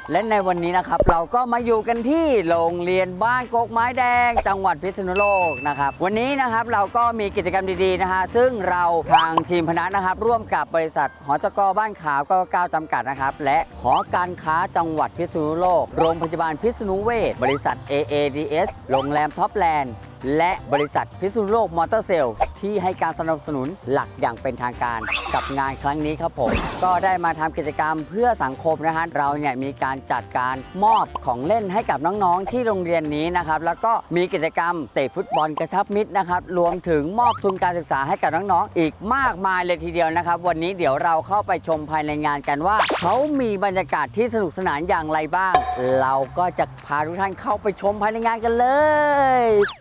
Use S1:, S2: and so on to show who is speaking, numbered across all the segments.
S1: และในวันนี้นะครับเราก็มาอยู่กันที่โรงเรียนบ้านกกไม้แดงจังหวัดพิษณุโลกนะครับวันนี้นะครับเราก็มีกิจกรรมดีๆนะฮะซึ่งเราทางทีมพนักนะครับร่วมกับบริษัทหจก.บ้านขาว99จำกัดนะครับและหอการค้าจังหวัดพิษณุโลกโรงพยาบาลพิษณุเวชบริษัท AADS โรงแรมท็อปแลนด์และบริษัทพิษณุโลกมอเตอร์เซลที่ให้การสนับสนุนหลักอย่างเป็นทางการกับงานครั้งนี้ครับผมก็ได้มาทำกิจกรรมเพื่อสังคมนะฮะเราเนี่ยมีการจัดการมอบของเล่นให้กับน้องๆที่โรงเรียนนี้นะครับแล้วก็มีกิจกรรมเตะฟุตบอลกระชับมิตรนะครับรวมถึงมอบทุนการศึกษาให้กับน้องๆอีกมากมายเลยทีเดียวนะครับวันนี้เดี๋ยวเราเข้าไปชมภายในงานกันว่าเขามีบรรยากาศที่สนุกสนานอย่างไรบ้างเราก็จะพาทุกท่านเข้าไปชมภายในงานกันเลย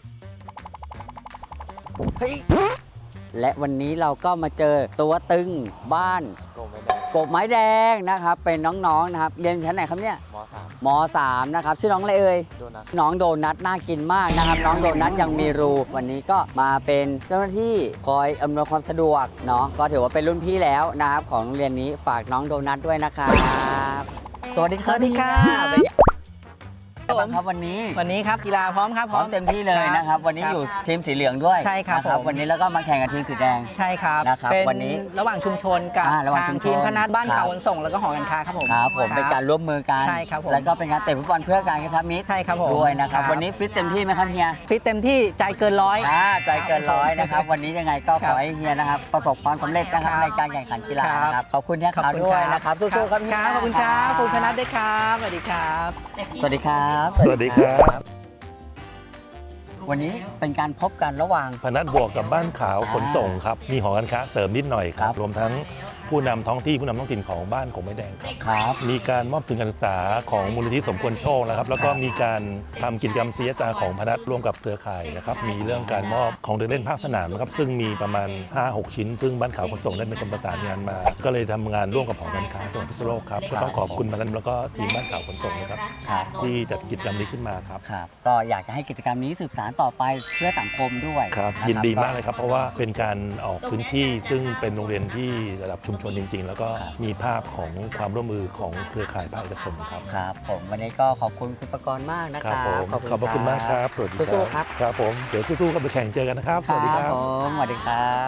S1: และวันนี้เราก็มาเจอตัวตึงบ้านกบไม้แดงนะครับเป็นน้องๆนะครับเรียนชั้นไหนครับเนี่ยม.3 นะครับชื่อน้องอะไรเอ่ยน้องโดนัทน่ากินมากนะครับน้องโดนัทยังมีรูวันนี้ก็มาเป็นเจ้าหน้าที่คอยอำนวยความสะดวกเนาะก็ถือว่าเป็นรุ่นพี่แล้วนะครับของโรงเรียนนี้ฝากน้องโดนัทด้วยนะครับสวัสดีครับครับวันนี้
S2: ครับกีฬาพร้อมครับ
S1: พร้อมเต็มที่เลยนะครับวันนี้อยู่ทีมสีเหลืองด้วย
S2: ใช่ครับผม
S1: วันนี้แล้วก็มาแข่งกับทีมสีแดง
S2: ใช่ครับ
S1: นะครับวันนี้
S2: ระหว่างชุมชนกับทางทีมพนัสบ้านข่าวขนส่งแล้วก็หอการค้าครับผม
S1: ครับผมเป็นการร่วมมือกัน
S2: ใช่ครับผม
S1: แล้วก็เป็นการเตะฟุตบอลเพื่อการกระชับมิตร
S2: ใช่ครับผม
S1: ด้วยนะครับวันนี้ฟิตเต็มที่ไหมครับเฮีย
S2: ฟิตเต็มที่ใจเกินร้อย
S1: ใจเกินร้อยนะครับวันนี้ยังไงก็ขอให้เฮียนะครับประสบความสำเร็จนะครับในการแข่งขันกีฬาครับขอบคุณเฮียขาวด้วยนะครับสู้ๆครับ
S2: ขอบคุณครับคุณพนัสด้วยครับสวัสดีครับ
S1: สวัสดีครับ
S3: สวัสดีครับ
S1: วันนี้เป็นการพบกันระหว่าง
S3: พนัสบวกกับบ้านขาวขนส่งครับมีหอการค้าเสริมนิดหน่อยครับรวมทั้งผู้นำท้องที่ผู้นำท้องถิ่นของบ้านกบไม้แดง
S1: ครับ
S3: มีการมอบทุนการศึกษาของมูลนิธิสมควรโชคนะครับแล้วก็มีการทำกิจกรรม CSR ของพนัสร่วมกับเครือข่ายนะครับมีเรื่องการมอบของเดินเล่นภาคสนามนะครับซึ่งมีประมาณ 5-6 ชิ้นซึ่งบ้านขาวขนส่งได้เป็นคนประสานงานมาก็เลยทำงานร่วมกับหอการค้าจังหวัดพิษณุโลกครับก็ต้องขอบคุณพนัสแล้วก็ทีมบ้านขาวขนส่งนะครับที่จัดกิจกรรมนี้ขึ้นมาครับ
S1: ก็อยากจะให้กิจกรรมนี้สืบสานต่อไปเพื่อสังคมด้วย
S3: ครับยินดีมากเลยครับเพราะว่าเป็นการออกพื้นที่ซึ่งเป็นโรงเรียนที่ระดับชุมชนจริงๆแล้วก็มีภาพของความร่วมมือของเครือข่ายภาคเอกชนครับ
S1: ครับผมวันนี้ก็ขอบคุณคุณประกรณ์มากนะครับ
S3: ขอบคุณมากครับสวัสดี
S1: สู้ๆครับ
S3: ครับผมเดี๋ยวสู้ๆกันไปแข่งเจอกันนะครับ
S1: สวัสดีครับผมสวัสดีครับ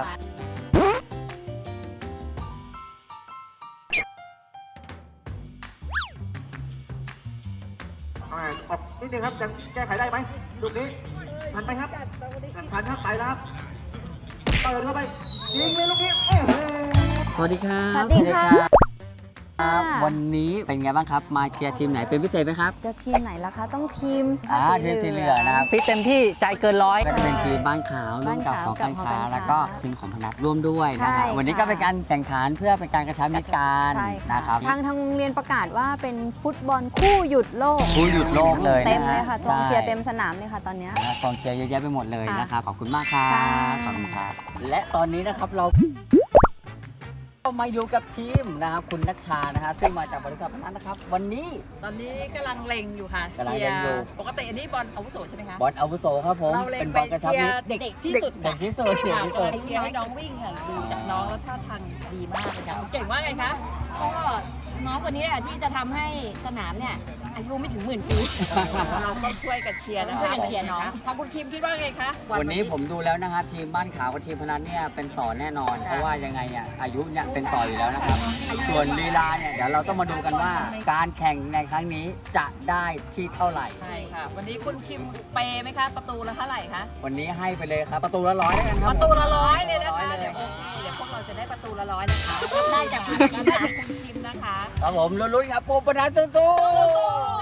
S4: นิดนึงครับจะแก้ไขได้ไหมลูกนี้ทันไหมครับทันครับไปแล้วเปิดเข้าไปยิงเลยลูกนี้โอ้โห
S1: สวัสดีครับ
S5: สวัสดีค่ะ
S1: วันนี้เป็นไงบ้างครับมาเชียร์ทีมไหนเป็นพิเศษไหมครับ
S5: จะทีมไหนล่ะคะต้องทีม
S1: ทีมสีเหลืองนะครับ
S2: ฟิตเต็มที่ใจเกินร้อย
S1: ก็จะเป็นทีมบ้านขาวร่วมกับของการค้าแล้วก็ทีมของพนัสร่วมด้วยนะครับวันนี้ก็เป็นการแข่งขันเพื่อเป็นการกระชับมิตรกันนะครับ
S5: ทางโรงเรียนประกาศว่าเป็นฟุตบอลคู่หยุดโลก
S1: เลย
S5: เต็มเลยค่ะกองเชียร์เต็มสนามเลยค่ะตอนนี้
S1: กองเชียร์เยอะแยะไปหมดเลยนะครับขอบคุณมากครับขอบคุณครับและตอนนี้นะครับเรามาอยู่กับทีมนะครับคุณนัชชานะครับซึ่งมาจากบริษัทพนัสนะครับวันนี้
S6: ตอนนี้กำลังเล็งอยู่ค่ะเชียร์ปกติอันนี้บอลอาวุโสใช่ไหมคะ
S1: บอลอาวุโสครับผม
S6: เป็นบอลกระชับมิตรเด็กที่สุด
S1: เด็กที่สุด
S6: เชียร์ให้น้องวิ่งค่ะดูจากน้องแล้วท่าทางดีมากเลยค่ะเก่งว่าไงคะ
S7: ก็น้องคนนี้แหละที่จะทำให้สนามเนี่ยอายุไม่ถึง10,000 ปี
S6: เราก็ช่วยกันเชียร์นะคะ
S7: เชียร์น้อง
S6: ทางคุณคิมคิดว่าไงคะ
S1: วันนี้ผมดูแล้วนะคะทีมบ้านขาวกับทีมพนัสเนี่ยเป็นต่อแน่นอนเพราะว่ายังไงอ่ะอายุเนี่ยเป็นต่ออยู่แล้วนะครับส่วนลีลาเนี่ยเดี๋ยวเราต้องมาดูกันว่าการแข่งในครั้งนี้จะได้ที่เท่าไหร่
S6: ใช่ค่ะวันนี้คุณคิมเปย์ไหมคะประตูละเท่าไหร่คะ
S1: วันนี้ให้ไปเลยครับประตูละ100แล้วกันครับ
S6: ประตูละ100เลยนะคะเดี๋ยวพวกเราจะได้ประตูละ100นะคะ
S7: ได้จากคุณคิมนะคะ
S1: ครับผมลุ้นๆครับโปรปนัสสู้